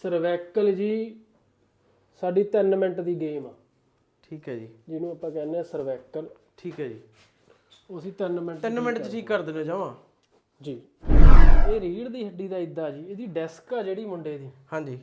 Cervical ਜੀ ਸਾਡੀ 3 minute ਦੀ game ਆ। ਠੀਕ ਹੈ ਜੀ, ਜਿਹਨੂੰ ਆਪਾਂ ਕਹਿੰਦੇ ਆ ਸਰਵੈਕਲ। ਠੀਕ ਹੈ ਜੀ, ਉਹ ਅਸੀਂ 3 ਮਿੰਟ ਚ ਠੀਕ ਕਰ ਦਿੰਦੇ ਜਾਵਾਂ ਜੀ। ਇਹ ਰੀੜ ਦੀ ਹੱਡੀ ਦਾ ਇਦਾਂ ਜੀ, ਇਹਦੀ ਡੈਸਕ ਆ ਜਿਹੜੀ ਮੁੰਡੇ ਦੀ, ਹਾਂਜੀ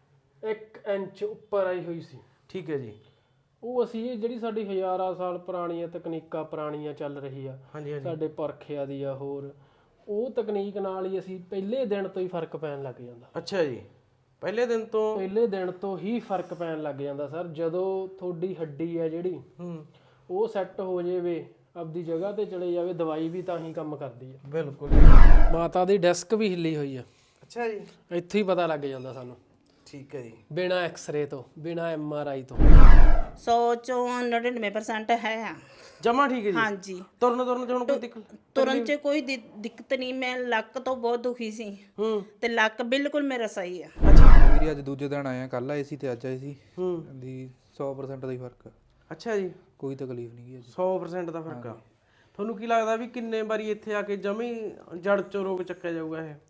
1 ਇੰਚ ਉੱਪਰ ਆਈ ਹੋਈ ਸੀ। ਠੀਕ ਹੈ ਜੀ, ਉਹ ਅਸੀਂ ਇਹ ਜਿਹੜੀ ਸਾਡੀ ਹਜ਼ਾਰਾਂ ਸਾਲ ਪੁਰਾਣੀਆਂ ਤਕਨੀਕਾਂ ਪੁਰਾਣੀਆਂ ਚੱਲ ਰਹੀ ਆ, ਹਾਂਜੀ ਹਾਂਜੀ, ਸਾਡੇ ਪਰਖਿਆ ਦੀ ਆ, ਹੋਰ ਉਹ ਤਕਨੀਕ ਨਾਲ ਹੀ ਅਸੀਂ ਪਹਿਲੇ ਦਿਨ ਤੋਂ ਹੀ ਫਰਕ ਪੈਣ ਲੱਗ ਜਾਂਦਾ। ਅੱਛਾ ਜੀ, ਪਹਿਲੇ ਦਿਨ ਤੋਂ ਹੀ ਫਰਕ ਪੈਣ ਲੱਗ ਜਾਂਦਾ ਸਰ। ਜਦੋਂ ਤੁਹਾਡੀ ਹੱਡੀ ਆ ਜਿਹੜੀ ਉਹ ਸੈੱਟ ਹੋ ਜਾਵੇ, ਆਪਦੀ ਜਗ੍ਹਾ ਤੇ ਚਲੇ ਜਾਵੇ, ਦਵਾਈ ਵੀ ਤਾਂ ਹੀ ਕੰਮ ਕਰਦੀ ਆ। ਬਿਲਕੁਲ। ਮਾਤਾ ਦੀ ਡੈਸਕ ਵੀ ਹਿੱਲੀ ਹੋਈ ਆ। ਅੱਛਾ ਜੀ, ਇੱਥੇ ਹੀ ਪਤਾ ਲੱਗ ਜਾਂਦਾ ਸਾਨੂੰ। ਠੀਕ ਹੈ ਜੀ, ਬਿਨਾ ਐਕਸ-ਰੇ ਤੋਂ, ਬਿਨਾ MRI ਤੋਂ 100 ਚੋਂ 99% ਹੈ। ਜਮਾ ਠੀਕ ਹੈ ਜੀ। ਹਾਂਜੀ, ਤੁਰਨ ਚ ਹੁਣ ਕੋਈ ਦਿੱਕਤ? ਤੁਰਨ ਚ ਕੋਈ ਦਿੱਕਤ ਨਹੀਂ। ਮੈਂ ਲੱਕ ਤੋਂ ਬਹੁਤ ਦੁਖੀ ਸੀ ਤੇ ਲੱਕ ਬਿਲਕੁਲ ਮੇਰਾ ਸਹੀ ਆ। ਵੀਰੇ ਅੱਜ ਦੂਜੇ ਦਿਨ ਆਏ ਆ, ਕੱਲ ਆਏ ਸੀ ਤੇ ਅੱਜ ਆਏ ਸੀ। ਦੀ 100% ਦਾ ਹੀ ਫਰਕ ਆ। ਅੱਛਾ ਜੀ, ਕੋਈ ਤਕਲੀਫ ਨਹੀਂ ਗਈ। 100% ਦਾ ਫਰਕ ਆ। ਤੁਹਾਨੂੰ ਕੀ ਲੱਗਦਾ ਵੀ ਕਿੰਨੇ ਵਾਰੀ ਇੱਥੇ ਆ ਕੇ ਜਮੀ ਜੜ ਚੋਂ ਰੋਗ ਚੱਕਿਆ ਜਾਊਗਾ ਇਹ?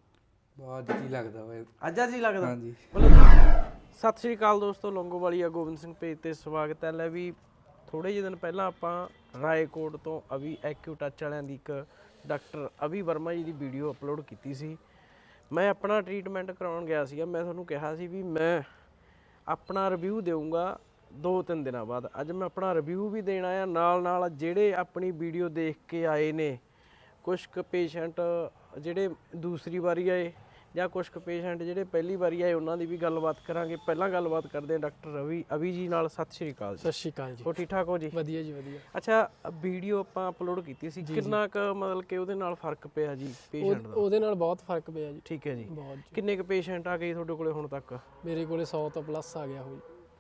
ਬਾਅਦ ਜੀ ਲੱਗਦਾ ਵਾ ਅੱਜ ਹੀ ਲੱਗਦਾ। ਹਾਂਜੀ। ਸਤਿ ਸ਼੍ਰੀ ਅਕਾਲ ਦੋਸਤੋ, ਲੌਂਗੋਵਾਲੀਆ ਗੋਬਿੰਦ ਸਿੰਘ ਪੇਜ ਤੇ ਸਵਾਗਤ ਹੈ। ਲੈ ਵੀ ਥੋੜੇ ਜਿਹੇ ਦਿਨ ਪਹਿਲਾਂ ਆਪਾਂ ਰਾਏਕੋਟ ਤੋਂ ਅਭੀ ਐਕਿਊਟੱਚ ਵਾਲਿਆਂ ਦੀ ਇੱਕ ਡਾਕਟਰ ਅਭੀ ਵਰਮਾ ਜੀ ਦੀ ਵੀਡੀਓ ਅਪਲੋਡ ਕੀਤੀ ਸੀ। ਮੈਂ ਆਪਣਾ ਟ੍ਰੀਟਮੈਂਟ ਕਰਾਉਣ ਗਿਆ ਸੀਗਾ। ਮੈਂ ਤੁਹਾਨੂੰ ਕਿਹਾ ਸੀ ਵੀ ਮੈਂ ਆਪਣਾ ਰਿਵਿਊ ਦੇਵਾਂਗਾ 2-3 ਦਿਨਾਂ ਬਾਅਦ। ਅੱਜ ਮੈਂ ਆਪਣਾ ਰਿਵਿਊ ਵੀ ਦੇਣ ਆਇਆ, ਨਾਲ ਜਿਹੜੇ ਆਪਣੀ ਵੀਡੀਓ ਦੇਖ ਕੇ ਆਏ ਨੇ, ਕੁਛ ਕੁ ਪੇਸ਼ੈਂਟ ਜਿਹੜੇ ਦੂਸਰੀ ਵਾਰੀ ਆਏ ਜਾਂ ਕੁਛ ਕੁ ਪੇਸ਼ੈਂਟ ਜਿਹੜੇ ਪਹਿਲੀ ਵਾਰੀ ਆਏ, ਉਹਨਾਂ ਦੀ ਵੀ ਗੱਲਬਾਤ ਕਰਾਂਗੇ। ਪਹਿਲਾਂ ਗੱਲਬਾਤ ਕਰਦੇ ਹਾਂ ਡਾਕਟਰ ਅਭੀ ਜੀ ਨਾਲ। ਸਤਿ ਸ਼੍ਰੀ ਅਕਾਲ ਜੀ। ਸਤਿ ਸ਼੍ਰੀ ਅਕਾਲ ਜੀ। ਹੋ ਠੀਕ ਠਾਕ ਹੋ ਜੀ? ਵਧੀਆ ਜੀ, ਵਧੀਆ। ਅੱਛਾ, ਵੀਡੀਓ ਆਪਾਂ ਅਪਲੋਡ ਕੀਤੀ ਸੀ, ਕਿੰਨਾ ਕੁ ਮਤਲਬ ਕਿ ਉਹਦੇ ਨਾਲ ਫਰਕ ਪਿਆ ਜੀ ਪੇਸ਼ੈਂਟ ਦਾ? ਉਹਦੇ ਨਾਲ ਬਹੁਤ ਫਰਕ ਪਿਆ ਜੀ। ਠੀਕ ਹੈ ਜੀ। ਬਹੁਤ। ਕਿੰਨੇ ਕੁ ਪੇਸ਼ੈਂਟ ਆ ਗਏ ਤੁਹਾਡੇ ਕੋਲੇ ਹੁਣ ਤੱਕ? ਮੇਰੇ ਕੋਲੇ 100 ਤੋਂ ਪਲੱਸ ਆ ਗਿਆ ਹੋਈ।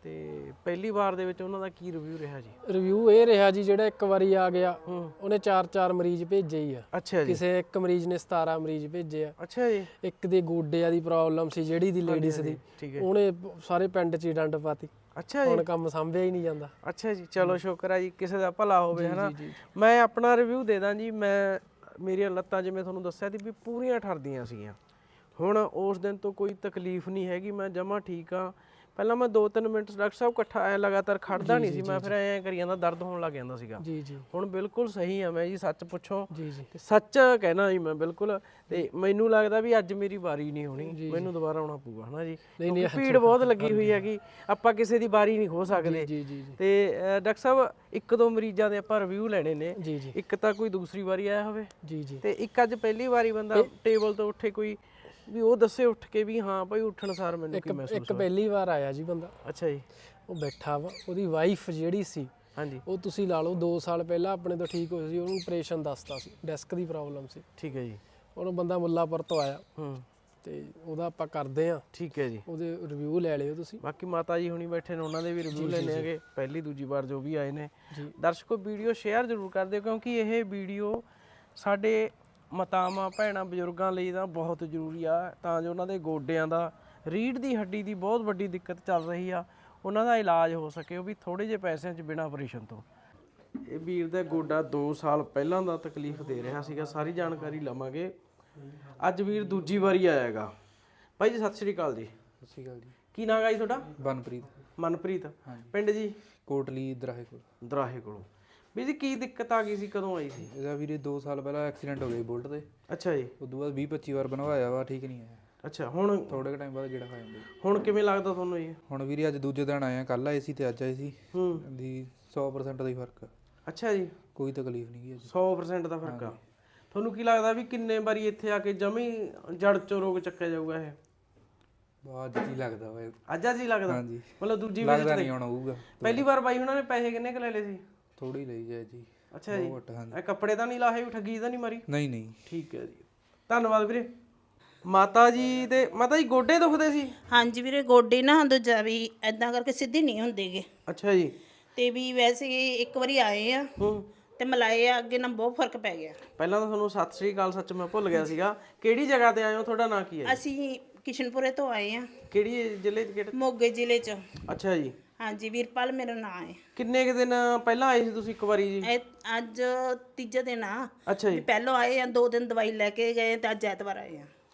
ਤੇ ਪਹਿਲੀ ਵਾਰ ਦੇ ਵਿੱਚ ਉਹਨਾਂ ਦਾ ਕੀ ਰਿਵਿਊ ਰਿਹਾ ਜੀ? ਰਿਵਿਊ ਇਹ ਰਿਹਾ ਜੀ, ਜਿਹੜਾ ਇੱਕ ਵਾਰੀ ਆ ਗਿਆ ਉਹਨੇ 4-4 ਮਰੀਜ਼ ਭੇਜੇ ਹੀ ਆ। ਅੱਛਾ ਜੀ। ਕਿਸੇ ਇੱਕ ਮਰੀਜ਼ ਨੇ 17 ਮਰੀਜ਼ ਭੇਜੇ ਆ। ਅੱਛਾ ਜੀ। ਇੱਕ ਦੇ ਗੋਡਿਆਂ ਦੀ ਪ੍ਰੋਬਲਮ ਸੀ ਜਿਹੜੀ ਦੀ ਲੇਡੀਜ਼ ਦੀ, ਉਹਨੇ ਸਾਰੇ ਪਿੰਡ 'ਚ ਹੀ ਡੰਡ ਪਾਤੀ। ਅੱਛਾ ਜੀ। ਹੁਣ ਕੰਮ ਸੰਭਿਆ ਹੀ ਨਹੀਂ ਜਾਂਦਾ। ਅੱਛਾ ਜੀ, ਚਲੋ ਸ਼ੁਕਰ ਹੈ ਜੀ, ਕਿਸੇ ਦਾ ਭਲਾ ਹੋਵੇ ਹਨਾ। ਮੈਂ ਆਪਣਾ ਰਿਵਿਊ ਦੇ ਦਾਂ ਜੀ। ਮੇਰੀਆਂ ਲੱਤਾਂ ਜਿਵੇਂ ਤੁਹਾਨੂੰ ਦੱਸਿਆ ਸੀ ਵੀ ਪੂਰੀਆਂ ਠਰਦੀਆਂ ਸੀਗੀਆਂ। ਹੁਣ ਉਸ ਦਿਨ ਤੋਂ ਕੋਈ ਤਕਲੀਫ ਨਹੀਂ ਹੈਗੀ, ਮੈਂ ਜਮਾਂ ਠੀਕ ਆ। ਪਹਿਲਾਂ ਮੈਂ 2-3 ਮਿੰਟ ਡਾਕਟਰ ਸਾਹਿਬ ਇਕੱਠਾ ਐ ਲਗਾਤਾਰ ਖੜਦਾ ਨਹੀਂ ਸੀ ਮੈਂ, ਫਿਰ ਐਂ ਕਰੀ ਜਾਂਦਾ, ਦਰਦ ਹੋਣ ਲੱਗ ਜਾਂਦਾ ਸੀਗਾ। ਜੀ ਜੀ। ਹੁਣ ਬਿਲਕੁਲ ਸਹੀ ਆ ਮੈਂ ਜੀ, ਸੱਚ ਪੁੱਛੋ ਜੀ ਜੀ। ਤੇ ਸੱਚ ਕਹਿਣਾ ਜੀ ਮੈਂ ਬਿਲਕੁਲ। ਤੇ ਮੈਨੂੰ ਲੱਗਦਾ ਵੀ ਅੱਜ ਮੇਰੀ ਵਾਰੀ ਨਹੀਂ ਹੋਣੀ, ਮੈਨੂੰ ਦੁਬਾਰਾ ਆਉਣਾ ਪਊਗਾ ਹਨਾ ਜੀ। ਭੀੜ ਬਹੁਤ ਲੱਗੀ ਹੋਈ ਹੈਗੀ, ਆਪਾਂ ਕਿਸੇ ਦੀ ਵਾਰੀ ਨਹੀਂ ਖੋ ਸਕਦੇ। ਜੀ ਜੀ। ਤੇ ਡਾਕਟਰ ਸਾਹਿਬ 1-2 ਮਰੀਜ਼ਾਂ ਦੇ ਆਪਾਂ ਰਿਵਿਊ ਲੈਣੇ ਨੇ। ਜੀ ਜੀ। ਇੱਕ ਤਾਂ ਕੋਈ ਦੂਸਰੀ ਵਾਰੀ ਆਇਆ ਹੋਵੇ ਜੀ ਜੀ। ਤੇ ਇੱਕ ਅੱਜ ਪਹਿਲੀ ਵਾਰੀ ਬੰਦਾ ਟੇਬਲ ਤੋਂ ਉੱਠੇ, ਕੋਈ ਵੀ ਉਹ ਦੱਸੇ ਉੱਠ ਕੇ ਵੀ ਹਾਂ ਭਾਈ ਉੱਠਣ ਸਾਰ ਮੈਨੂੰ ਕੀ ਮਹਿਸੂਸ ਇੱਕ ਪਹਿਲੀ ਵਾਰ ਆਇਆ ਜੀ ਬੰਦਾ। ਅੱਛਾ ਜੀ। ਉਹ ਬੈਠਾ ਵਾ, ਉਹਦੀ ਵਾਈਫ ਜਿਹੜੀ ਸੀ, ਹਾਂਜੀ, ਉਹ ਤੁਸੀਂ ਲਾ ਲਓ 2 ਸਾਲ ਪਹਿਲਾਂ ਆਪਣੇ ਤੋਂ ਠੀਕ ਹੋਈ ਸੀ, ਉਹਨੂੰ ਆਪਰੇਸ਼ਨ ਦੱਸਤਾ ਸੀ, ਡੈਸਕ ਦੀ ਪ੍ਰੋਬਲਮ ਸੀ। ਠੀਕ ਹੈ ਜੀ। ਉਹਨੂੰ ਬੰਦਾ ਮੁੱਲਾਪੁਰ ਤੋਂ ਆਇਆ ਤੇ ਉਹਦਾ ਆਪਾਂ ਕਰਦੇ ਆ। ਠੀਕ ਹੈ ਜੀ। ਉਹਦੇ ਰਿਵਿਊ ਲੈ ਲਿਓ ਤੁਸੀਂ। ਬਾਕੀ ਮਾਤਾ ਜੀ ਹੁਣੀ ਬੈਠੇ ਨੇ, ਉਹਨਾਂ ਦੇ ਵੀ ਰਿਵਿਊ ਲੈਣੇ ਹੈਗੇ, ਪਹਿਲੀ ਦੂਜੀ ਵਾਰ ਜੋ ਵੀ ਆਏ ਨੇ। ਦਰਸ਼ਕੋ ਵੀਡੀਓ ਸ਼ੇਅਰ ਜ਼ਰੂਰ ਕਰ ਦਿਓ, ਕਿਉਂਕਿ ਇਹ ਵੀਡੀਓ ਸਾਡੇ ਮਾਤਾਵਾਂ ਭੈਣਾਂ ਬਜ਼ੁਰਗਾਂ ਲਈ ਤਾਂ ਬਹੁਤ ਜ਼ਰੂਰੀ ਆ, ਤਾਂ ਜੋ ਉਹਨਾਂ ਦੇ ਗੋਡਿਆਂ ਦਾ, ਰੀੜ੍ਹ ਦੀ ਹੱਡੀ ਦੀ ਬਹੁਤ ਵੱਡੀ ਦਿੱਕਤ ਚੱਲ ਰਹੀ ਆ, ਉਹਨਾਂ ਦਾ ਇਲਾਜ ਹੋ ਸਕੇ, ਉਹ ਵੀ ਥੋੜੇ ਜਿਹੇ ਪੈਸਿਆਂ 'ਚ ਬਿਨਾਂ ਆਪਰੇਸ਼ਨ ਤੋਂ। ਇਹ ਵੀਰ ਦਾ ਗੋਡਾ 2 ਸਾਲ ਪਹਿਲਾਂ ਦਾ ਤਕਲੀਫ ਦੇ ਰਿਹਾ ਸੀਗਾ, ਸਾਰੀ ਜਾਣਕਾਰੀ ਲਵਾਂਗੇ। ਅੱਜ ਵੀਰ ਦੂਜੀ ਵਾਰੀ ਆਇਆਗਾ। ਭਾਈ ਜੀ ਸਤਿ ਸ਼੍ਰੀ ਅਕਾਲ ਜੀ। ਸਤਿ ਸ਼੍ਰੀ ਅਕਾਲ ਜੀ। ਕੀ ਨਾਮ ਹੈ ਜੀ ਤੁਹਾਡਾ? ਮਨਪ੍ਰੀਤ। ਪਿੰਡ ਜੀ? ਕੋਟਲੀ ਦਰਾਹੇ ਕੋਲੋਂ। ਵੀ ਜੀ ਕੀ ਦਿੱਕਤ ਆ ਗਈ ਸੀ, ਕਦੋਂ ਆਈ ਸੀ? ਇਹਦਾ ਵੀਰੇ 2 ਸਾਲ ਪਹਿਲਾਂ ਐਕਸੀਡੈਂਟ ਹੋ ਗਿਆ ਬੁਲਟ ਤੇ। ਅੱਛਾ ਜੀ। ਉਦੋਂ ਬਾਅਦ 20-25 ਵਾਰ ਬਣਵਾਇਆ ਵਾ, ਠੀਕ ਨਹੀਂ ਆਇਆ। ਅੱਛਾ, ਹੁਣ ਥੋੜੇ ਟਾਈਮ ਬਾਅਦ ਜਿਹੜਾ ਖਾ ਜਾਂਦਾ। ਹੁਣ ਕਿਵੇਂ ਲੱਗਦਾ ਤੁਹਾਨੂੰ ਜੀ? ਹੁਣ ਵੀਰੇ ਅੱਜ ਦੂਜੇ ਦਿਨ ਆਏ ਆ, ਕੱਲ ਆਏ ਸੀ ਤੇ ਅੱਜ ਆਏ ਸੀ। ਦੀ 100% ਦਾ ਹੀ ਫਰਕ ਆ। ਅੱਛਾ ਜੀ। ਕੋਈ ਤਕਲੀਫ ਨਹੀਂ ਗਈ। 100% ਦਾ ਫਰਕ ਆ। ਤੁਹਾਨੂੰ ਕੀ ਲੱਗਦਾ ਵੀ ਕਿੰਨੇ ਵਾਰੀ ਇੱਥੇ ਆ ਕੇ ਜਮੀ ਜੜ ਚੋਂ ਰੋਗ ਚੱਕਿਆ ਜਾਊਗਾ ਇਹ? ਬਾਅਦ ਜੀ ਲੱਗਦਾ ਵਾ। ਅੱਜ ਹੀ ਲੱਗਦਾ? ਹਾਂਜੀ। ਮਤਲਬ ਦੂਜੀ ਵਾਰ ਲੱਗਦਾ ਨਹੀਂ ਹੁਣ ਹੋਊਗਾ। ਪਹਿਲੀ ਵਾਰ ਬਾਈ ਉਹਨਾਂ ਨੇ ਪੈਸੇ ਕਿੰਨੇ ਕੁ ਲੈ ਲਏ ਸੀ? ਥੋੜੀ ਲਈ ਜਾਏ ਜੀ। ਅੱਛਾ ਜੀ। ਇਹ ਕੱਪੜੇ ਤਾਂ ਨਹੀਂ ਲਾਹੇ, ਵੀ ਠੱਗੀ ਤਾਂ ਨਹੀਂ ਮਾਰੀ? ਨਹੀਂ। ਠੀਕ ਹੈ ਜੀ, ਧੰਨਵਾਦ ਵੀਰੇ। ਮਾਤਾ ਜੀ ਗੋਡੇ ਦੁਖਦੇ ਸੀ? ਹਾਂਜੀ ਵੀਰੇ, ਗੋਡੇ ਨਾ ਦੂਜਾ ਵੀ ਐਦਾਂ ਕਰਕੇ ਸਿੱਧੇ ਨਹੀਂ ਹੁੰਦੇਗੇ। ਅੱਛਾ ਜੀ। ਤੇ ਵੀ ਵੈਸੇ ਇੱਕ ਵਾਰੀ ਆਏ ਆ ਤੇ ਮਲਾਏ ਆ, ਅੱਗੇ ਨਾਲ ਬਹੁਤ ਫਰਕ ਪੈ ਗਿਆ। ਪਹਿਲਾਂ ਤਾਂ ਤੁਹਾਨੂੰ ਸਤਿ ਸ੍ਰੀ ਅਕਾਲ, ਸੱਚ ਮੈਂ ਭੁੱਲ ਗਿਆ ਸੀਗਾ। ਕਿਹੜੀ ਜਗ੍ਹਾ ਤੇ ਆਏ ਹੋ? ਤੁਹਾਡਾ ਨਾਂ ਕੀ ਹੈ? ਅਸੀਂ ਕਿਸ਼ਨਪੁਰੇ ਤੋਂ ਆਏ ਆ। ਕਿਹੜੀ ਜ਼ਿਲ੍ਹੇ 'ਚ? ਕਿਹੜੇ? ਮੋਗੇ ਜ਼ਿਲ੍ਹੇ 'ਚ। ਅੱਛਾ ਜੀ। ਹਾਂਜੀ, ਵੀਰਪਾਲ ਮੇਰਾ ਨਾਂ ਹੈ। ਕਿੰਨੇ ਕੁ ਦਿਨ ਪਹਿਲਾਂ ਆਏ ਸੀ ਤੁਸੀਂ? ਇੱਕ ਵਾਰੀ ਜੀ। ਅੱਜ ਤੀਜਾ ਦਿਨ ਆ। ਅੱਛਾ ਜੀ। ਪਹਿਲਾਂ ਆਏ ਆ, 2 ਦਿਨ ਦਵਾਈ ਲੈ ਕੇ ਗਏ ਤੇ ਅੱਜ ਐਤਵਾਰ ਆਏ ਆ।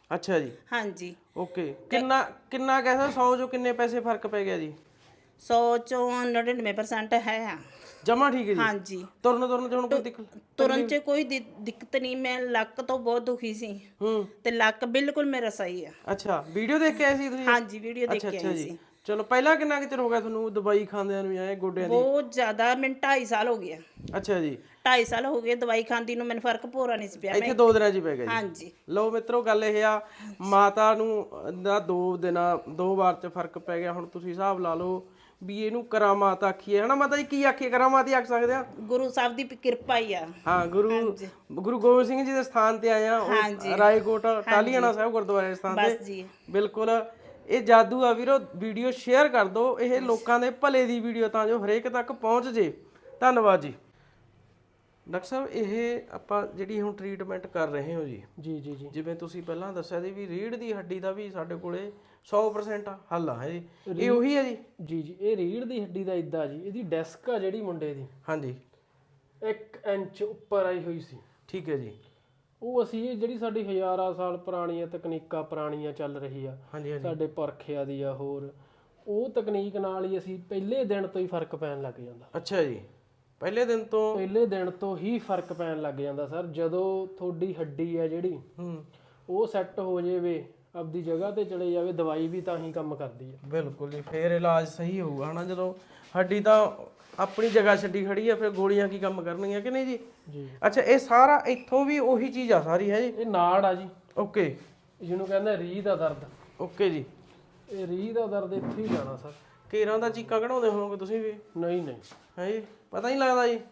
ਅੱਛਾ ਜੀ ਹਾਂਜੀ ਓਕੇ ਕਿੰਨਾ ਕਿੰਨਾ ਕਹਿ 100 ਚੋਂ ਕਿੰਨੇ ਪੈਸੇ ਫਰਕ ਪੈ ਗਿਆ ਜੀ 100 ਚੋਂ 99% ਹੈ। ਜਮਾ ਠੀਕ ਹੈ ਜੀ ਹਾਂਜੀ ਤੁਰਨ ਚ ਹੁਣ ਕੋਈ ਦਿੱਕਤ ਤੁਰਨ 'ਚ ਕੋਈ ਦਿੱਕਤ ਨਹੀਂ। ਮੈਂ ਲੱਕ ਤੋਂ ਬਹੁਤ ਦੁਖੀ ਸੀ ਤੇ ਲੱਕ ਬਿਲਕੁਲ ਮੇਰਾ ਸਹੀ ਆ। ਅੱਛਾ ਵੀਡੀਓ ਦੇਖ ਕੇ ਆਏ ਸੀ ਤੁਸੀਂ ਹਾਂਜੀ ਵੀਡੀਓ ਦੇਖ ਕੇ ਅੱਛਾ ਆਈ ਜੀ ਸੀ। ਚਲੋ ਪਹਿਲਾਂ ਕਿੰਨਾ ਕੁ ਚਿਰ ਹੋ ਗਿਆ ਤੁਹਾਨੂੰ ਦਵਾਈ ਖਾਂਦਿਆਂ ਨੂੰ ਜਾਂ ਇਹ ਗੋਡਿਆਂ ਦੀ ਬਹੁਤ ਜ਼ਿਆਦਾ ਮੈਨੂੰ 2.5 ਸਾਲ ਹੋ ਗਿਆ। ਅੱਛਾ ਜੀ 2.5 ਸਾਲ ਹੋ ਗਏ ਦਵਾਈ ਖਾਂਦੀ ਨੂੰ, ਮੈਨੂੰ ਫਰਕ ਪੂਰਾ ਨਹੀਂ ਸੀ ਪਿਆ। ਇੱਥੇ 2 ਦਿਨਾਂ 'ਚ ਹੀ ਪੈ ਗਿਆ ਜੀ ਹਾਂਜੀ ਲਓ ਮਿੱਤਰੋ ਗੱਲ ਇਹ ਆ ਮਾਤਾ ਨੂੰ ਦਾ 2 ਵਾਰ 'ਚ ਫਰਕ ਪੈ ਗਿਆ। ਹੁਣ ਤੁਸੀਂ ਹਿਸਾਬ ਲਾ ਲਓ ਵੀ ਇਹਨੂੰ ਕਰਾਮਾਤ ਆਖੀਏ ਹਨਾ ਮਾਤਾ ਜੀ ਕੀ ਆਖੀਏ ਕਰਾਮਾਤ ਹੀ ਆਖ ਸਕਦੇ ਆ। ਗੁਰੂ ਸਾਹਿਬ ਦੀ ਕਿਰਪਾ ਹੀ ਆ। ਹਾਂ ਗੁਰੂ ਗੋਬਿੰਦ ਸਿੰਘ ਜੀ ਦੇ ਸਥਾਨ ਤੇ ਆਏ ਆ ਉਹ ਰਾਏਕੋਟ ਟਾਹਲੀਆਣਾ ਸਾਹਿਬ ਗੁਰਦੁਆਰੇ ਦੇ ਸਥਾਨ ਬਸ ਤੇ ਜੀ ਬਿਲਕੁਲ ਇਹ ਜਾਦੂ ਆ ਵੀਰੋ। ਵੀਡੀਓ ਸ਼ੇਅਰ ਕਰ ਦਿਓ ਇਹ ਲੋਕਾਂ ਦੇ ਭਲੇ ਦੀ ਵੀਡੀਓ ਤਾਂ ਜੋ ਹਰੇਕ ਤੱਕ ਪਹੁੰਚ ਜੇ। ਧੰਨਵਾਦ ਜੀ ਡਾਕਟਰ ਸਾਹਿਬ। ਇਹ ਆਪਾਂ ਜਿਹੜੀ ਹੁਣ ਟ੍ਰੀਟਮੈਂਟ ਕਰ ਰਹੇ ਹੋ ਜੀ ਜੀ ਜੀ ਜੀ ਜਿਵੇਂ ਤੁਸੀਂ ਪਹਿਲਾਂ ਦੱਸਿਆ ਸੀ ਵੀ ਰੀੜ੍ਹ ਦੀ ਹੱਡੀ ਦਾ ਵੀ ਸਾਡੇ ਕੋਲੇ 100% ਹੱਲ ਆ ਜੀ ਇਹ ਉਹੀ ਹੈ ਜੀ ਜੀ ਜੀ ਇਹ ਰੀੜ੍ਹ ਦੀ ਹੱਡੀ ਦਾ ਇਦਾਂ ਜੀ ਇਹਦੀ ਡਿਸਕ ਆ ਜਿਹੜੀ ਮੁੰਡੇ ਦੀ ਹਾਂਜੀ 1 ਇੰਚ ਉੱਪਰ ਆਈ ਹੋਈ ਸੀ। ਠੀਕ ਹੈ ਜੀ ਉਹ ਅਸੀਂ ਇਹ ਜਿਹੜੀ ਸਾਡੀ ਹਜ਼ਾਰਾਂ ਸਾਲ ਪੁਰਾਣੀਆਂ ਤਕਨੀਕਾਂ ਪੁਰਾਣੀਆਂ ਚੱਲ ਰਹੀ ਆ ਹਾਂਜੀ ਹਾਂਜੀ ਸਾਡੇ ਪੁਰਖਿਆਂ ਦੀ ਆ ਹੋਰ ਉਹ ਤਕਨੀਕ ਨਾਲ ਹੀ ਅਸੀਂ ਪਹਿਲੇ ਦਿਨ ਤੋਂ ਹੀ ਫਰਕ ਪੈਣ ਲੱਗ ਜਾਂਦਾ। ਅੱਛਾ ਜੀ ਪਹਿਲੇ ਦਿਨ ਤੋਂ ਹੀ ਫਰਕ ਪੈਣ ਲੱਗ ਜਾਂਦਾ ਸਰ। ਜਦੋਂ ਤੁਹਾਡੀ ਹੱਡੀ ਆ ਜਿਹੜੀ ਉਹ ਸੈੱਟ ਹੋ ਜਾਵੇ ਆਪਦੀ ਜਗ੍ਹਾ ਤੇ ਚਲੇ ਜਾਵੇ ਦਵਾਈ ਵੀ ਤਾਂ ਹੀ ਕੰਮ ਕਰਦੀ ਆ। ਬਿਲਕੁਲ ਜੀ ਫੇਰ ਇਲਾਜ ਸਹੀ ਹੋਊਗਾ ਹਨਾ। ਜਦੋਂ ਹੱਡੀ ਤਾਂ ਆਪਣੀ ਜਗ੍ਹਾ ਛੱਡੀ ਖੜੀ ਆ ਫਿਰ ਗੋਲੀਆਂ ਕੀ ਕੰਮ ਕਰਨਗੀਆਂ ਕਿ ਨਹੀਂ ਜੀ ਜੀ ਅੱਛਾ ਇਹ ਸਾਰਾ ਇੱਥੋਂ ਵੀ ਉਹੀ ਚੀਜ਼ ਆ ਸਾਰੀ ਹੈ ਜੀ ਇਹ ਨਾੜ ਆ ਜੀ ਓਕੇ ਜਿਹਨੂੰ ਕਹਿੰਦੇ ਰੀਹ ਦਾ ਦਰਦ। ਓਕੇ ਜੀ ਇਹ ਰੀਹ ਦਾ ਦਰਦ ਇੱਥੇ ਹੀ ਜਾਣਾ ਸਰ। ਕੇਰਾਂ ਦਾ ਚੀਕਾਂ ਕਢਾਉਂਦੇ ਹੋਵੋਗੇ ਤੁਸੀਂ ਵੀ ਨਹੀਂ ਨਹੀਂ ਹੈ ਜੀ ਪਤਾ ਨਹੀਂ ਲੱਗਦਾ ਜੀ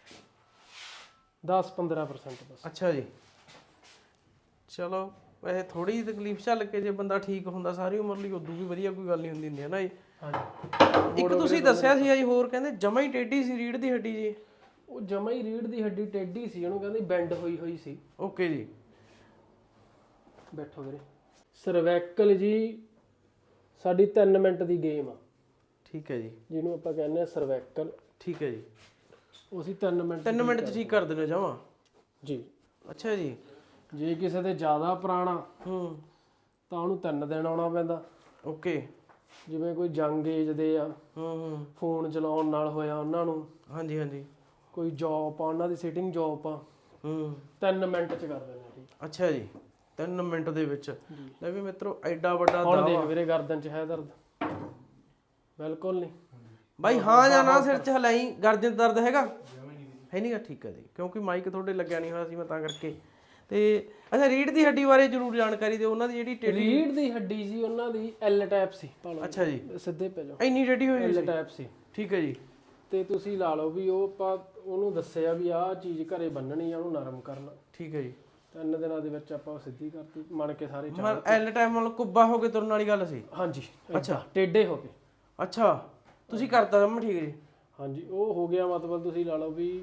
10-15% ਬਸ। ਅੱਛਾ ਜੀ ਚਲੋ ਵੈਸੇ ਥੋੜੀ ਜਿਹੀ ਤਕਲੀਫ ਝੱਲ ਕੇ ਜੇ ਬੰਦਾ ਠੀਕ ਹੁੰਦਾ ਸਾਰੀ ਉਮਰ ਲਈ ਉਦੋਂ ਵੀ ਵਧੀਆ ਕੋਈ ਗੱਲ ਨਹੀਂ ਹੁੰਦੀ ਹੈ ਨਾ ਜੀ। ਹਾਂਜੀ ਇੱਕ ਤੁਸੀਂ ਦੱਸਿਆ ਸੀ ਜੀ ਹੋਰ ਕਹਿੰਦੇ ਜਮਾ ਹੀ ਟੇਢੀ ਸੀ ਰੀੜ ਦੀ ਹੱਡੀ ਜੀ। ਉਹ ਜਮਾ ਹੀ ਰੀੜ ਦੀ ਹੱਡੀ ਟੇਢੀ ਸੀ ਉਹਨੂੰ ਕਹਿੰਦੇ ਬੈਂਡ ਹੋਈ ਸੀ। ਓਕੇ ਜੀ ਬੈਠੋ ਵੀਰੇ। ਸਰਵੈਕਲ ਜੀ ਸਾਡੀ 3 ਮਿੰਟ ਦੀ ਗੇਮ ਆ ਠੀਕ ਹੈ ਜੀ ਜਿਹਨੂੰ ਆਪਾਂ ਕਹਿੰਦੇ ਆ ਸਰਵੈਕਲ। ਠੀਕ ਹੈ ਜੀ ਉਹ ਅਸੀਂ 3 ਮਿੰਟ 3 ਮਿੰਟ 'ਚ ਠੀਕ ਕਰ ਦਿੰਦੇ ਜਮਾ ਜੀ। ਅੱਛਾ ਜੀ ਜੇ ਕਿਸੇ ਦੇ ਜ਼ਿਆਦਾ ਪੁਰਾਣਾ ਤਾਂ ਉਹਨੂੰ 3 ਦਿਨ ਆਉਣਾ ਪੈਂਦਾ। ਓਕੇ ਜਿਵੇਂ ਕੋਈ ਜੰਗ ਏਜ ਦੇ ਆ ਫੋਨ ਚਲਾਉਣ ਨਾਲ ਹੋਇਆ ਉਹਨਾਂ ਨੂੰ ਹਾਂਜੀ ਹਾਂਜੀ ਕੋਈ ਜੌਬ ਆ ਉਹਨਾਂ ਦੀ ਸਿਟਿੰਗ ਜੌਬ ਆ 3 ਮਿੰਟ ਚ ਕਰ ਦਿੰਦੇ ਆ ਠੀਕ। ਅੱਛਾ ਜੀ 3 ਮਿੰਟ ਦੇ ਵਿੱਚ ਲੈ ਵੀ ਮਿੱਤਰੋ ਐਡਾ ਵੱਡਾ ਹੁਣ ਦੇਖ ਦਾਵਾ ਵੀਰੇ ਗਰਦਨ ਚ ਹੈ ਦਰਦ ਬਿਲਕੁਲ ਨਹੀਂ ਬਾਈ ਹਾਂ ਜਾਂ ਨਾ ਸਿਰ 'ਚ ਹਲਾਈ ਗਰਦਨ ਦਰਦ ਹੈਗਾ ਹੈ ਨਹੀਂਗਾ ਠੀਕ ਹੈ ਜੀ ਕਿਉਂਕਿ ਮਾਈਕ ਤੁਹਾਡੇ ਲੱਗਿਆ ਨਹੀਂ ਹੋਇਆ ਸੀ ਮੈਂ ਤਾਂ ਕਰਕੇ ਤੇ ਅੱਛਾ ਰੀੜ ਦੀ ਹੱਡੀ ਬਾਰੇ ਜ਼ਰੂਰ ਜਾਣਕਾਰੀ ਦਿਓ। ਉਹਨਾਂ ਦੀ ਜਿਹੜੀ ਟੇਢੀ ਰੀੜ ਦੀ ਹੱਡੀ ਜੀ ਉਹਨਾਂ ਦੀ ਐਲ ਟਾਈਪ ਸੀ ਭਾਲੋ ਅੱਛਾ ਜੀ ਸਿੱਧੇ ਪੈ ਜਾਓ ਇੰਨੀ ਟੇਢੀ ਹੋਈ ਐਲ ਟਾਈਪ ਸੀ ਠੀਕ ਹੈ ਜੀ ਤੇ ਤੁਸੀਂ ਲਾ ਲਓ ਵੀ ਉਹ ਆਪਾਂ ਉਹਨੂੰ ਦੱਸਿਆ ਵੀ ਆਹ ਚੀਜ਼ ਘਰੇ ਬੰਨਣੀ ਆ ਉਹਨੂੰ ਨਰਮ ਕਰਨਾ। ਠੀਕ ਹੈ ਜੀ 3 ਦਿਨਾਂ ਦੇ ਵਿੱਚ ਆਪਾਂ ਉਹ ਸਿੱਧੀ ਕਰਤੀ ਮਣ ਕੇ ਸਾਰੇ ਚਾਰ। ਮਤਲਬ ਐਲ ਟਾਈਮ ਨਾਲ ਕੁੱਬਾ ਹੋ ਕੇ ਤੁਰਨ ਵਾਲੀ ਗੱਲ ਸੀ। ਹਾਂਜੀ ਅੱਛਾ ਟੇਢੇ ਹੋ ਗਏ। ਅੱਛਾ ਤੁਸੀਂ ਕਰਤਾ ਜਮ ਠੀਕ ਜੀ ਹਾਂਜੀ ਉਹ ਹੋ ਗਿਆ ਮਤਲਬ ਤੁਸੀਂ ਲਾ ਲਓ ਵੀ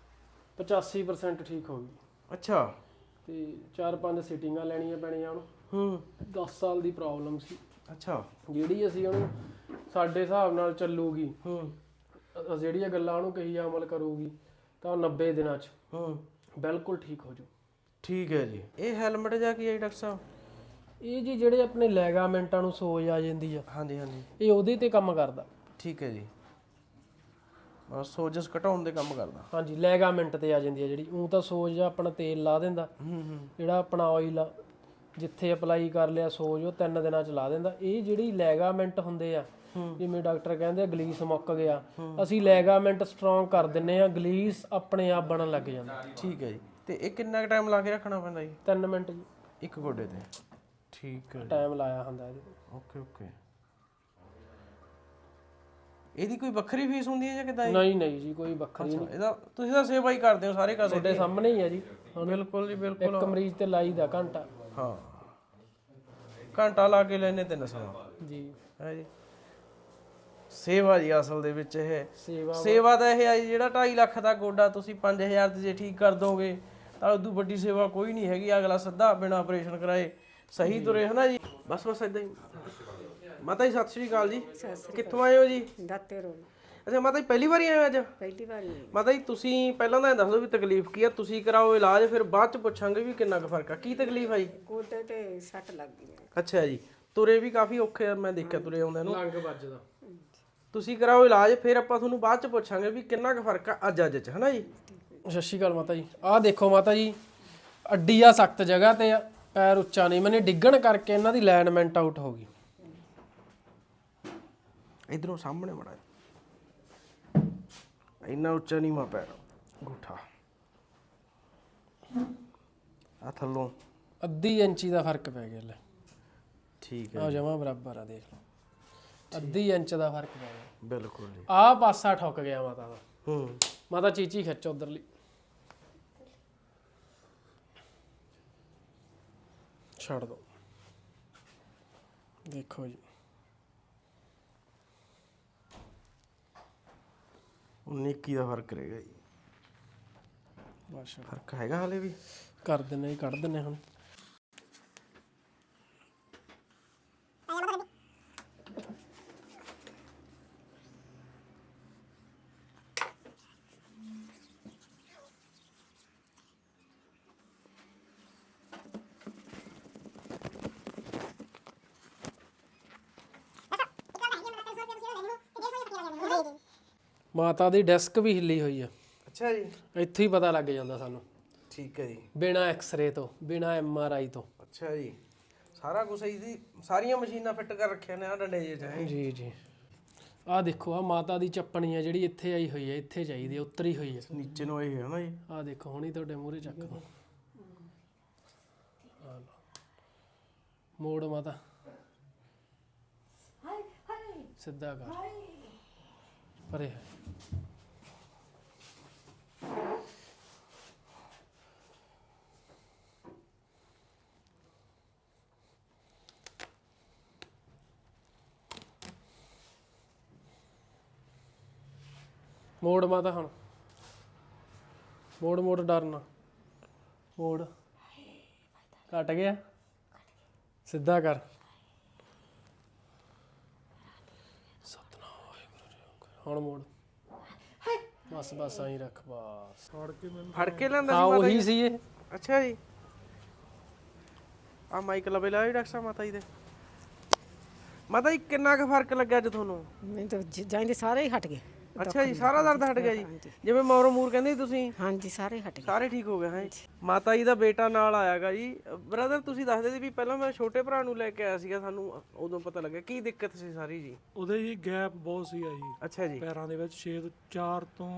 85% ਠੀਕ ਹੋ ਗਈ। ਅੱਛਾ ਤੇ 4-5 ਸੀਟਿੰਗਾਂ ਲੈਣੀਆਂ ਪੈਣੀਆਂ ਉਹਨੂੰ 10 ਸਾਲ ਦੀ ਪ੍ਰੋਬਲਮ ਸੀ। ਅੱਛਾ ਜਿਹੜੀ ਅਸੀਂ ਉਹਨੂੰ ਸਾਡੇ ਹਿਸਾਬ ਨਾਲ ਚੱਲੂਗੀ ਜਿਹੜੀਆਂ ਗੱਲਾਂ ਉਹਨੂੰ ਕਹੀ ਅਮਲ ਕਰੂਗੀ ਤਾਂ 90 ਦਿਨਾਂ 'ਚ ਬਿਲਕੁਲ ਠੀਕ ਹੋ ਜੂ। ਠੀਕ ਹੈ ਜੀ ਇਹ ਹੈਲਮਟ ਜਾਂ ਕੀ ਹੈ ਡਾਕਟਰ ਸਾਹਿਬ ਇਹ ਜੀ ਜਿਹੜੇ ਆਪਣੇ ਲੈਗਾਮੈਂਟਾਂ ਨੂੰ ਸੋਜ ਆ ਜਾਂਦੀ ਆ ਹਾਂਜੀ ਹਾਂਜੀ ਇਹ ਉਹਦੇ ਤੇ ਕੰਮ ਕਰਦਾ। ਠੀਕ ਹੈ ਜੀ ਬਸ ਸੋਜਸ ਘਟਾਉਣ ਦੇ ਕੰਮ ਕਰਦਾ। ਹਾਂਜੀ ਲੈਗਾਮੈਂਟ ਤੇ ਆ ਜਾਂਦੀ ਆ ਜਿਹੜੀ ਉਹ ਤਾਂ ਸੋਜ ਆ ਆਪਣਾ ਤੇਲ ਲਾ ਦਿੰਦਾ ਜਿਹੜਾ ਆਪਣਾ ਆਇਲ ਆ ਜਿੱਥੇ ਅਪਲਾਈ ਕਰ ਲਿਆ ਸੋਜ ਉਹ 3 ਦਿਨਾਂ 'ਚ ਲਾ ਦਿੰਦਾ। ਇਹ ਜਿਹੜੀ ਲੈਗਾਮੈਂਟ ਹੁੰਦੇ ਆ ਜਿਵੇਂ ਡਾਕਟਰ ਕਹਿੰਦੇ ਆ ਗਲੀਸ ਮੁੱਕ ਗਿਆ ਅਸੀਂ ਲੈਗਾਮੈਂਟ ਸਟਰੋਂਗ ਕਰ ਦਿੰਨੇ ਆ ਗਲੀਸ ਆਪਣੇ ਆਪ ਬਣਨ ਲੱਗ ਜਾਂਦਾ। ਠੀਕ ਹੈ ਜੀ ਤੇ ਇਹ ਕਿੰਨਾ ਟਾਈਮ ਲਾ ਕੇ ਰੱਖਣਾ ਪੈਂਦਾ ਜੀ 3 ਮਿੰਟ ਜੀ ਇੱਕ ਗੋਡੇ ਤੇ ਠੀਕ ਹੈ ਟਾਈਮ ਲਾਇਆ ਹੁੰਦਾ ਇਹਦੇ ਓਕੇ ਓਕੇ ਇਹਦੀ ਕੋਈ ਵੱਖਰੀ ਫੀਸ ਹੁੰਦੀ ਹੈ ਜਾਂ ਕਿਦਾਂ ਨਹੀਂ ਨਹੀਂ ਜੀ ਕੋਈ ਵੱਖਰੀ ਨਹੀਂ। ਇਹਦਾ ਤੁਸੀਂ ਤਾਂ ਸੇਵਾ ਹੀ ਕਰਦੇ ਹੋ ਸਾਰੇ ਕਾਸੇ ਤੁਹਾਡੇ ਸਾਹਮਣੇ ਹੀ ਆ ਜੀ। ਬਿਲਕੁਲ ਜੀ ਬਿਲਕੁਲ ਇੱਕ ਮਰੀਜ਼ ਤੇ ਲਾਈਦਾ ਘੰਟਾ। ਹਾਂ ਘੰਟਾ ਲਾ ਕੇ ਲੈਨੇ 300 ਜੀ ਹੈ ਜੀ ਸੇਵਾ ਜੀ ਅਸਲ ਦੇ ਵਿੱਚ ਇਹ ਸੇਵਾ ਸੇਵਾ ਤਾਂ ਇਹ ਆ ਜੀ ਜਿਹੜਾ 2.5 ਲੱਖ ਦਾ ਗੋਡਾ ਤੁਸੀਂ 5000 ਤੇ ਜੇ ਠੀਕ ਕਰ ਦੋਗੇ ਤਾਂ ਉਦੋਂ ਵੱਡੀ ਸੇਵਾ ਕੋਈ ਨਹੀਂ ਹੈਗੀ। ਅਗਲਾ ਸਿੱਧਾ ਬਿਨਾਂ ਆਪਰੇਸ਼ਨ ਕਰਾਏ ਸਹੀ ਤੁਰੇ ਹਨਾ ਜੀ। ਬਸ ਇਦਾਂ ਹੀ ਮਾਤਾ ਜੀ ਸਤਿ ਸ਼੍ਰੀ ਅਕਾਲ ਜੀ ਕਿੱਥੋਂ ਆਏ ਹੋ ਜੀ ਦਾਤੇ ਰੋਡ ਅੱਛਾ ਮਾਤਾ ਜੀ ਪਹਿਲੀ ਵਾਰੀ ਆਏ ਹੋ ਅੱਜ? ਪਹਿਲੀ ਵਾਰੀ ਹੋਈ। ਮਾਤਾ ਜੀ ਤੁਸੀਂ ਪਹਿਲਾਂ ਤਾਂ ਇਹ ਦੱਸ ਦਿਓ ਵੀ ਤਕਲੀਫ ਕੀ ਆ, ਤੁਸੀਂ ਕਰਾਓ ਇਲਾਜ, ਫਿਰ ਬਾਅਦ ਚ ਪੁੱਛਾਂਗੇ ਵੀ ਕਿੰਨਾ ਕੁ ਫਰਕ ਆ। ਕੀ ਤਕਲੀਫ ਆ ਜੀ? ਗੋਡੇ ਤੇ ਸੱਟ ਲੱਗ ਗਈ ਮੇਰੇ। ਅੱਛਾ ਜੀ, ਤੁਰੇ ਵੀ ਕਾਫੀ ਔਖੇ ਆ, ਮੈਂ ਦੇਖਿਆ ਤੁਰੇ ਆਉਂਦੇ ਨੂੰ। ਲੰਗ ਵੱਜਦਾ। ਤੁਸੀਂ ਕਰਾਓ ਇਲਾਜ, ਫਿਰ ਆਪਾਂ ਤੁਹਾਨੂੰ ਬਾਅਦ ਚ ਪੁੱਛਾਂਗੇ ਵੀ ਕਿੰਨਾ ਕੁ ਫਰਕ ਆ ਅੱਜ ਚ, ਹਨਾ ਜੀ? ਸਤਿ ਸ਼੍ਰੀ ਅਕਾਲ ਮਾਤਾ ਜੀ। ਆਹ ਦੇਖੋ ਮਾਤਾ ਜੀ, ਅੱਡੀ ਆ ਸਖਤ ਜਗ੍ਹਾ ਤੇ ਆ, ਪੈਰ ਉੱਚਾ ਨਹੀਂ, ਮੈਨੇ ਡਿੱਗਣ ਕਰਕੇ ਇਹਨਾਂ ਦੀ ਅਲਾਈਨਮੈਂਟ ਆਊਟ ਹੋ ਗਈ। ਇਧਰੋਂ ਸਾਹਮਣੇ ਮੜਾ, ਇੰਨਾ ਉੱਚਾ ਨਹੀਂ ਮਾ ਪੈਰ ਗੂਠਾ ਆ ਥੱਲੋਂ ਅੱਧੀ ਇੰਚੀ ਦਾ ਫਰਕ ਪੈ ਗਿਆ ਲੈ। ਠੀਕ ਆ ਜਮਾ ਬਰਾਬਰ ਆ, ਦੇਖ ਲਓ ਅੱਧੀ ਇੰਚ ਦਾ ਫਰਕ ਪੈ ਗਿਆ। ਬਿਲਕੁਲ ਜੀ। ਆਹ ਪਾਸਾ ਠੁੱਕ ਗਿਆ ਮਾਤਾ ਦਾ। ਹੂੰ ਮਾਤਾ ਚੀਚੀ ਖਿੱਚ ਉਧਰਲੀ, ਛੱਡ ਦੋ। ਦੇਖੋ ਜੀ 19 ਦਾ ਫਰਕ ਰਹੇਗਾ ਜੀ। ਬਸ ਫਰਕ ਹੈਗਾ ਹਾਲੇ ਵੀ? ਕਰ ਦਿੰਨੇ ਜੀ, ਕੱਢ ਦਿੰਨੇ ਹੁਣ। ਮਾਤਾ ਦੀ ਡੈਸਕ ਵੀ ਹਿੱਲੀ ਹੋਈ ਆ, ਅੱਛਾ ਜੀ। ਇੱਥੇ ਹੀ ਪਤਾ ਲੱਗ ਜਾਂਦਾ ਸਾਨੂੰ, ਠੀਕ ਹੈ ਜੀ। ਬਿਨਾ ਐਕਸ-ਰੇ ਤੋਂ, ਬਿਨਾ MRI ਤੋਂ। ਅੱਛਾ ਜੀ, ਸਾਰਾ ਕੁਝ ਜੀ, ਸਾਰੀਆਂ ਮਸ਼ੀਨਾਂ ਫਿੱਟ ਕਰ ਰੱਖਿਆ ਨੇ ਆ ਡੰਡੇ ਜੇ ਚਾਹੇ। ਜੀ ਜੀ। ਆਹ ਦੇਖੋ, ਆ ਮਾਤਾ ਦੀ ਚੱਪਣੀ ਆ ਜਿਹੜੀ ਇੱਥੇ ਆਈ ਹੋਈ ਹੈ, ਇੱਥੇ ਚਾਹੀਦੀ ਹੈ, ਉਤਰੀ ਹੋਈ ਹੈ ਨੀਚੇ ਨੂੰ ਆਈ ਹੈ ਨਾ ਜੀ। ਆਹ ਦੇਖੋ, ਹੁਣੀ ਤੁਹਾਡੇ ਮੂਹਰੇ ਚੱਕ ਦੋ। ਆਹ ਲਓ। ਮੋੜ ਮਾਤਾ, ਸਿੱਧਾ ਕਰ ਪਰੇ। ਮੋੜ ਮਾਤਾ ਹੁਣ, ਮੋੜ ਮੋੜ, ਡਰਨਾ ਮੋੜ। ਘਟ ਗਿਆ, ਸਿੱਧਾ ਕਰ। ਸਤਨਾਮ ਵਾਹਿਗੁਰੂ ਜੀ। ਹੁਣ ਮੋੜ, ਬਸ ਬਸ ਆਈ ਰੱਖ, ਬਸ। ਫੜ ਕੇ ਲੈਂਦਾ ਹਾਂ ਸੀ ਮਾਤਾ ਉਹੀ ਜੀ? ਸੀ ਇਹ। ਅੱਛਾ ਜੀ। ਆ ਮਾਈਕ ਲਵੇ ਲਾਓ ਡਾਕਟਰ ਸਾਹਿਬ ਮਾਤਾ ਜੀ ਦੇ। ਮਾਤਾ ਜੀ ਕਿੰਨਾ ਕੁ ਫਰਕ ਲੱਗਿਆ ਅੱਜ ਤੁਹਾਨੂੰ? ਮੈਨੂੰ ਤਾਂ ਜਾਂਦੇ ਸਾਰੇ ਹੀ ਹਟ ਗਏ। ਅੱਛਾ ਜੀ, ਸਾਰਾ ਦਰਦ ਹਟ ਗਿਆ ਜੀ? ਜਿਵੇਂ ਮੌਰੋ ਮੂਰ ਕਹਿੰਦੇ ਸੀ ਤੁਸੀਂ? ਹਾਂਜੀ ਸਾਰੇ ਹਟ ਗਏ। ਸਾਰੇ ਠੀਕ ਹੋ ਗਏ ਹੈ? ਮਾਤਾ ਜੀ ਦਾ ਬੇਟਾ ਨਾਲ ਆਇਆਗਾ ਜੀ। ਬ੍ਰਦਰ ਤੁਸੀਂ ਦੱਸਦੇ ਸੀ ਵੀ ਪਹਿਲਾਂ ਮੈਂ ਛੋਟੇ ਭਰਾ ਨੂੰ ਲੈ ਕੇ ਆਇਆ ਸੀਗਾ, ਸਾਨੂੰ ਉਦੋਂ ਪਤਾ ਲੱਗਿਆ ਕੀ ਦਿੱਕਤ ਸੀ ਸਾਰੀ ਜੀ? ਉਹਦੇ ਜੀ ਗੈਪ ਬਹੁਤ ਸੀਗਾ ਜੀ ਅੱਛਾ ਜੀ। ਪੈਰਾਂ ਦੇ ਵਿੱਚ 4 ਤੋਂ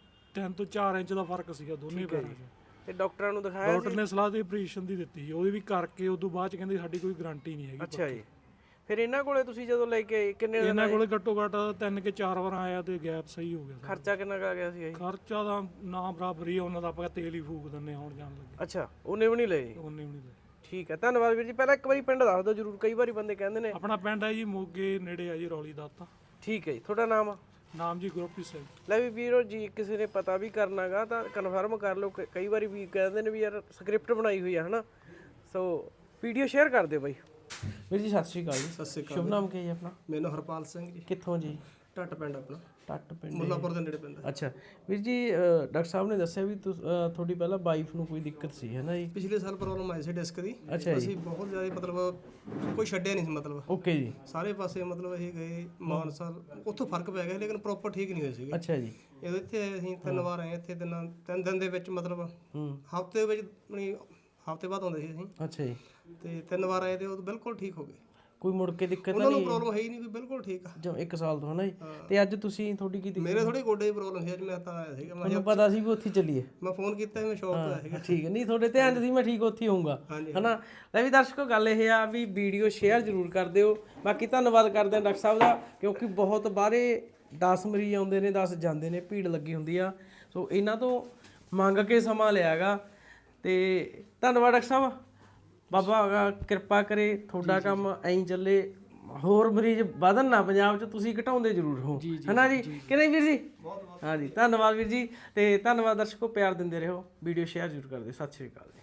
3 ਤੋਂ 4 ਇੰਚ ਦਾ ਫਰਕ ਸੀਗਾ ਦੋਨੇ ਪੈਰਾਂ 'ਚ। ਤੇ ਡਾਕਟਰਾਂ ਨੂੰ ਦਿਖਾਇਆ ਡਾਕਟਰ ਨੇ ਸਲਾਹ ਦੇ ਆਪਰੇਸ਼ਨ ਦੀ ਦਿੱਤੀ ਸੀ, ਉਹਦੀ ਵੀ ਕਰਕੇ ਉਦੋਂ ਬਾਅਦ ਚ ਕਹਿੰਦੇ ਸਾਡੀ ਕੋਈ ਗਾਰੰਟੀ ਨਹੀਂ ਹੈਗੀ। ਅੱਛਾ ਜੀ। ਫਿਰ ਇਹਨਾਂ ਕੋਲੇ ਤੁਸੀਂ ਜਦੋਂ ਲੈ ਕੇ ਆਏ ਕਿੰਨੇ ਦਿਨ? ਇਹਨਾਂ ਕੋਲੇ ਘੱਟੋ ਘੱਟ 3 ਕੇ 4 ਵਾਰ ਆਇਆ ਤੇ ਗੈਪ ਸਹੀ ਹੋ ਗਿਆ ਸਾਰਾ। ਖਰਚਾ ਕਿੰਨਾ ਕੁ ਆ ਗਿਆ ਸੀ ਜੀ? ਖਰਚਾ ਦਾ ਨਾ ਬਰਾਬਰ ਹੀ ਆ, ਉਹਨਾਂ ਦਾ ਆਪਾਂ ਤੇਲ ਹੀ ਫੂਕ ਦਿੰਨੇ ਹੁਣ ਜਾਣ ਲੱਗੇ। ਅੱਛਾ, ਉਹਨੇ ਵੀ ਨਹੀਂ ਲਏ? ਉਹਨੇ ਵੀ ਨਹੀਂ ਲਏ। ਠੀਕ ਹੈ, ਧੰਨਵਾਦ ਵੀਰ ਜੀ। ਪਹਿਲਾਂ ਇੱਕ ਵਾਰੀ ਪਿੰਡ ਦੱਸ ਦਿਓ ਜਰੂਰ, ਕਈ ਵਾਰੀ ਬੰਦੇ ਕਹਿੰਦੇ ਨੇ। ਆਪਣਾ ਪਿੰਡ ਹੈ ਜੀ ਮੋਗੇ ਨੇੜੇ ਆ ਜੀ, ਰੌਲੀ ਦਾ। ਤਾਂ ਠੀਕ ਹੈ ਜੀ। ਤੁਹਾਡਾ ਨਾਮ? ਨਾਮ ਜੀ ਗੁਰਪ੍ਰੀਤ ਸਿੰਘ। ਲੈ ਵੀ ਵੀਰੋ ਜੀ, ਕਿਸੇ ਨੇ ਪਤਾ ਵੀ ਕਰਨਾਗਾ ਤਾਂ ਕਨਫਰਮ ਕਰ ਲਓ। ਕਈ ਵਾਰੀ ਵੀ ਕਹਿੰਦੇ ਨੇ ਵੀ ਯਾਰ ਸਕ੍ਰਿਪਟ ਬਣਾਈ ਹੋਈ ਆ, ਹਨਾ? ਸੋ ਵੀਡੀਓ ਸ਼ੇਅਰ ਕਰ ਦਿਓ ਬਾਈ। ਵੀਰ ਜੀ ਸਤਿ ਸ਼੍ਰੀ ਅਕਾਲ ਜੀ। ਸਤਿ ਸ਼੍ਰੀ ਅਕਾਲ। ਸ਼ੁਭ ਨਾਮ ਕੀ ਹੈ ਜੀ ਆਪਣਾ? ਮੈਨੂੰ ਹਰਪਾਲ ਸਿੰਘ ਜੀ। ਕਿੱਥੋਂ ਜੀ? ਟੱਟ ਪਿੰਡ ਆਪਣਾ, ਟੱਟ ਪਿੰਡ। ਮੁੱਲਾਪੁਰ ਦੇ ਨੇੜੇ ਪੈਂਦਾ। ਅੱਛਾ ਵੀਰ ਜੀ, ਡਾਕਟਰ ਸਾਹਿਬ ਨੇ ਦੱਸਿਆ ਵੀ ਤੁਹਾਡੀ ਪਹਿਲਾਂ ਵਾਈਫ ਨੂੰ ਕੋਈ ਦਿੱਕਤ ਸੀ, ਹੈ ਨਾ ਜੀ? ਪਿਛਲੇ ਸਾਲ ਪ੍ਰੋਬਲਮ ਆਈ ਸੀ ਡਿਸਕ ਦੀ। ਅੱਛਾ ਜੀ। ਅਸੀਂ ਬਹੁਤ ਜ਼ਿਆਦਾ ਮਤਲਬ ਕੋਈ ਛੱਡਿਆ ਨਹੀਂ ਸੀ, ਮਤਲਬ ਓਕੇ ਜੀ। ਸਾਰੇ ਪਾਸੇ ਮਤਲਬ ਅਸੀਂ ਗਏ ਮਾਨਸਾ, ਉੱਥੋਂ ਫਰਕ ਪੈ ਗਿਆ ਲੇਕਿਨ ਪ੍ਰੋਪਰ ਠੀਕ ਨਹੀਂ ਹੋਏ ਸੀਗੇ। ਅੱਛਾ ਜੀ। ਜਦੋਂ ਇੱਥੇ ਆਏ ਅਸੀਂ 3 ਵਾਰ ਆਏ ਇੱਥੇ, 3 ਦਿਨ ਦੇ ਵਿੱਚ ਮਤਲਬ ਹਫਤੇ ਵਿੱਚ ਹਫਤੇ ਬਾਅਦ ਆਉਂਦੇ ਸੀ ਅਸੀਂ। ਅੱਛਾ ਜੀ। ਤੇ 3 ਵਾਰ ਆਏ ਤੇ ਉਹ ਬਿਲਕੁਲ ਠੀਕ ਹੋ ਗਏ। ਕੋਈ ਮੁੜ ਕੇ ਦਿੱਕਤ ਉਹਨਾਂ ਨੂੰ ਪ੍ਰੋਬਲਮ ਹੈ ਹੀ ਨਹੀਂ, ਵੀ ਬਿਲਕੁਲ ਠੀਕ ਆ। ਜੋ 1 ਸਾਲ ਤੋਂ, ਹਨਾ ਜੀ? ਤੇ ਅੱਜ ਤੁਸੀਂ ਤੁਹਾਡੀ ਕੀ ਦਿੱਕਤ? ਮੇਰੇ ਥੋੜੀ ਗੋਡੇ ਦੀ ਪ੍ਰੋਬਲਮ ਸੀ, ਅੱਜ ਮੈਂ ਤਾਂ ਆਇਆ ਸੀਗਾ। ਮੈਨੂੰ ਪਤਾ ਸੀ ਵੀ ਉੱਥੇ ਚੱਲੀਏ। ਮੈਂ ਫੋਨ ਕੀਤਾ ਸੀ, ਮੈਂ ਸ਼ੌਪ ਤੋਂ ਆਇਆ ਸੀਗਾ। ਠੀਕ ਹੈ, ਨਹੀਂ ਤੁਹਾਡੇ ਧਿਆਨ 'ਚ ਸੀ ਮੈਂ ਠੀਕ ਉੱਥੇ ਹੋਊਂਗਾ, ਹਨਾ? ਲੈ ਵੀ ਦਰਸ਼ਕੋ, ਗੱਲ ਇਹ ਆ ਵੀ ਵੀਡੀਓ ਸ਼ੇਅਰ ਜ਼ਰੂਰ ਕਰ ਦਿਓ। ਬਾਕੀ ਧੰਨਵਾਦ ਕਰਦੇ ਹਾਂ ਡਾਕਟਰ ਸਾਹਿਬ ਦਾ, ਕਿਉਂਕਿ ਬਹੁਤ ਬਾਹਰੇ 10 ਮਰੀਜ਼ ਆਉਂਦੇ ਨੇ, 10 ਜਾਂਦੇ ਨੇ, ਭੀੜ ਲੱਗੀ ਹੁੰਦੀ ਆ। ਸੋ ਇਹਨਾਂ ਤੋਂ ਮੰਗ ਕੇ ਸਮਾਂ ਲਿਆਗਾ। ਤੇ ਧੰਨਵਾਦ ਡਾਕਟਰ ਸਾਹਿਬ। ਬਾਬਾ ਕਿਰਪਾ ਕਰੇ, ਤੁਹਾਡਾ ਕੰਮ ਐਂ ਚੱਲੇ, ਹੋਰ ਮਰੀਜ਼ ਵਧਣ ਨਾ ਪੰਜਾਬ 'ਚ, ਤੁਸੀਂ ਘਟਾਉਂਦੇ ਜ਼ਰੂਰ ਹੋ, ਹਨਾ ਜੀ? ਕਿ ਨਹੀਂ ਵੀਰ ਜੀ? ਹਾਂਜੀ, ਧੰਨਵਾਦ ਵੀਰ ਜੀ। ਤੇ ਧੰਨਵਾਦ ਦਰਸ਼ਕੋ, ਪਿਆਰ ਦਿੰਦੇ ਰਹੋ, ਵੀਡੀਓ ਸ਼ੇਅਰ ਜ਼ਰੂਰ ਕਰ ਦਿਓ। ਸਤਿ ਸ਼੍ਰੀ ਅਕਾਲ ਜੀ।